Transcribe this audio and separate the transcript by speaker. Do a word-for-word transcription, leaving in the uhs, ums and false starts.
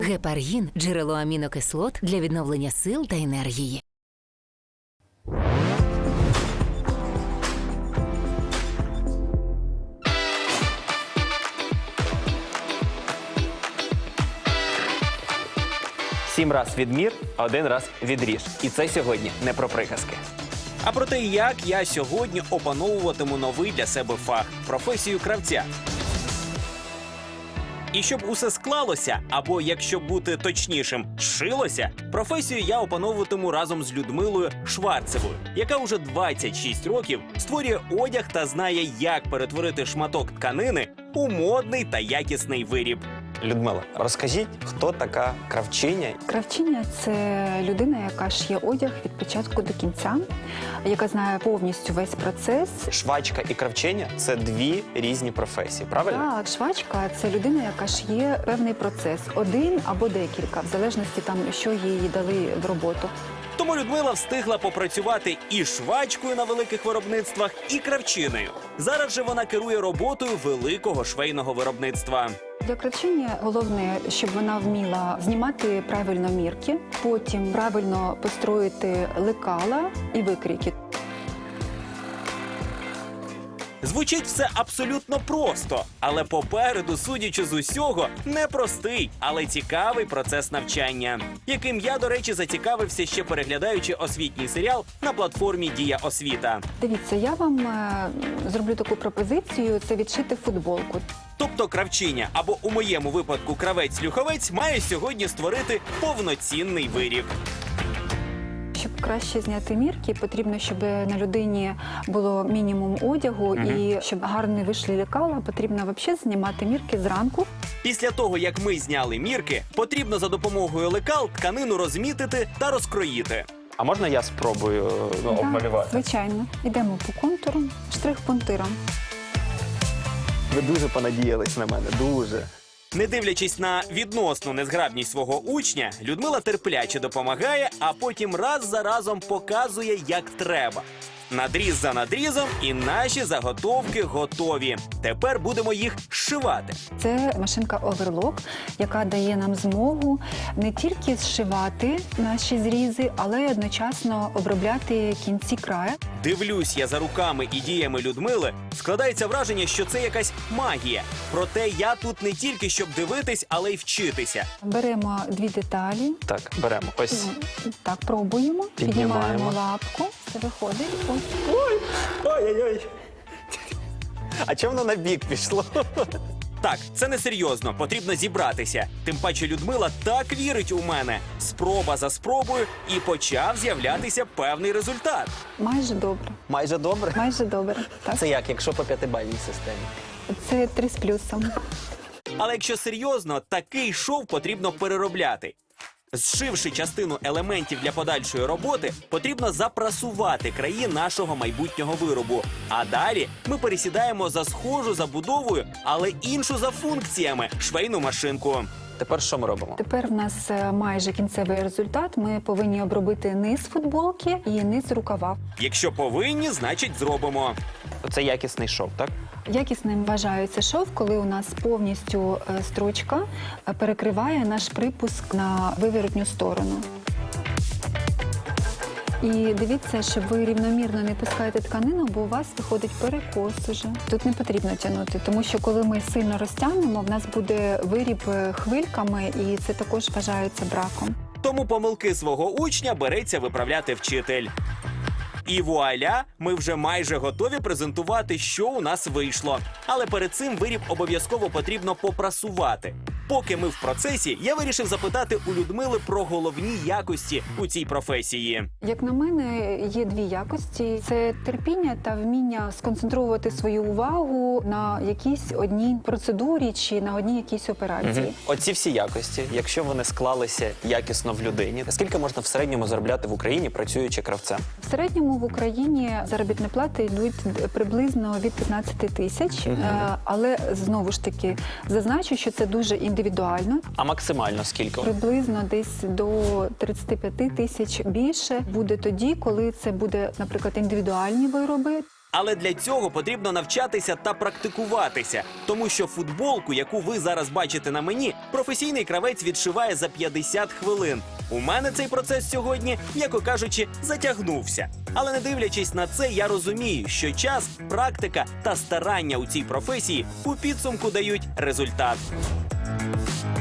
Speaker 1: Гепаргін – джерело амінокислот для відновлення сил та енергії.
Speaker 2: Сім раз відмір, один раз відріж. І це сьогодні не про приказки.
Speaker 3: А про те, як я сьогодні опановуватиму новий для себе фах – професію кравця. І щоб усе склалося, або, якщо бути точнішим, зшилося, професію я опановуватиму разом з Людмилою Шварцевою, яка уже двадцять шість років створює одяг та знає, як перетворити шматок тканини у модний та якісний виріб.
Speaker 2: Людмила, розкажіть, хто така кравчиня?
Speaker 4: Кравчиня – це людина, яка шиє одяг від початку до кінця, яка знає повністю весь процес.
Speaker 2: Швачка і кравчиня – це дві різні професії, правильно?
Speaker 4: Так, швачка – це людина, яка шиє певний процес, один або декілька, в залежності там, що їй дали в роботу.
Speaker 3: Тому Людмила встигла попрацювати і швачкою на великих виробництвах, і кравчиною. Зараз же вона керує роботою великого швейного виробництва.
Speaker 4: Для кравчині головне, щоб вона вміла знімати правильно мірки, потім правильно построїти лекала і викрійки.
Speaker 3: Звучить все абсолютно просто, але попереду, судячи з усього, непростий, але цікавий процес навчання, яким я, до речі, зацікавився ще переглядаючи освітній серіал на платформі «Дія освіта».
Speaker 4: Дивіться, я вам е, зроблю таку пропозицію – це відшити футболку.
Speaker 3: Тобто кравчиня, або у моєму випадку кравець-люховець, має сьогодні створити повноцінний виріб.
Speaker 4: Щоб краще зняти мірки, потрібно, щоб на людині було мінімум одягу,
Speaker 3: Угу.
Speaker 4: і щоб гарно вийшли лекала, потрібно взагалі знімати мірки зранку.
Speaker 3: Після того, як ми зняли мірки, потрібно за допомогою лекал тканину розмітити та розкроїти.
Speaker 2: А можна я спробую ну,
Speaker 4: Да,
Speaker 2: обмалювати?
Speaker 4: звичайно. Йдемо по контуру, штрих-пунктиром.
Speaker 2: Ви дуже понадіялись на мене, дуже.
Speaker 3: Не дивлячись на відносну незграбність свого учня, Людмила терпляче допомагає, а потім раз за разом показує, як треба. Надріз за надрізом, і наші заготовки готові. Тепер будемо їх зшивати.
Speaker 4: Це машинка оверлок, яка дає нам змогу не тільки зшивати наші зрізи, але й одночасно обробляти кінці краю.
Speaker 3: Дивлюсь я за руками і діями Людмили, складається враження, що це якась магія. Проте я тут не тільки щоб дивитись, але й вчитися.
Speaker 4: Беремо дві деталі.
Speaker 2: Так, беремо. Ось.
Speaker 4: Ну, Так, пробуємо.
Speaker 2: Піднімаємо.
Speaker 4: Піднімаємо лапку. Це виходить. Ось.
Speaker 2: Ой-ой-ой. А чому воно на бік пішло?
Speaker 3: Так, це не серйозно, потрібно зібратися. Тим паче Людмила так вірить у мене. Спроба за спробою, і почав з'являтися певний результат.
Speaker 4: Майже добре.
Speaker 2: Майже добре.
Speaker 4: Майже добре. Так.
Speaker 2: Це як, якщо по п'ятибальній системі?
Speaker 4: Це три з плюсом.
Speaker 3: Але якщо серйозно, такий шов потрібно переробляти. Зшивши частину елементів для подальшої роботи, потрібно запрасувати краї нашого майбутнього виробу. А далі ми пересідаємо за схожу забудовою, але іншу за функціями – швейну машинку.
Speaker 2: Тепер що ми робимо?
Speaker 4: Тепер в нас е, майже кінцевий результат. Ми повинні обробити низ футболки і низ рукава.
Speaker 3: Якщо повинні, значить зробимо.
Speaker 2: Це якісний шов, так?
Speaker 4: Якісним вважається шов, коли у нас повністю е, строчка е, перекриває наш припуск на виворотню сторону. І дивіться, щоб ви рівномірно не пускаєте тканину, бо у вас виходить перекос уже. Тут не потрібно тягнути, тому що коли ми сильно розтягнемо, в нас буде виріб е, хвильками, і це також вважається браком.
Speaker 3: Тому помилки свого учня береться виправляти вчитель. І вуаля, ми вже майже готові презентувати, що у нас вийшло. Але перед цим виріб обов'язково потрібно попрасувати. Поки ми в процесі, я вирішив запитати у Людмили про головні якості у цій професії.
Speaker 4: Як на мене, є дві якості. Це терпіння та вміння сконцентрувати свою увагу на якійсь одній процедурі чи на одній якійсь операції.
Speaker 2: Угу. Оці всі якості, якщо вони склалися якісно в людині, скільки можна в середньому заробляти в Україні, працюючи кравцем?
Speaker 4: В середньому в Україні заробітні плати йдуть приблизно від п'ятнадцяти тисяч,
Speaker 2: Угу.
Speaker 4: але знову ж таки зазначу, що це дуже індивідуально.
Speaker 2: А максимально скільки?
Speaker 4: Приблизно десь до тридцяти п'яти тисяч більше буде тоді, коли це буде, наприклад, індивідуальні вироби.
Speaker 3: Але для цього потрібно навчатися та практикуватися, тому що футболку, яку ви зараз бачите на мені, професійний кравець відшиває за п'ятдесят хвилин. У мене цей процес сьогодні, м'яко кажучи, затягнувся. Але не дивлячись на це, я розумію, що час, практика та старання у цій професії у підсумку дають результат.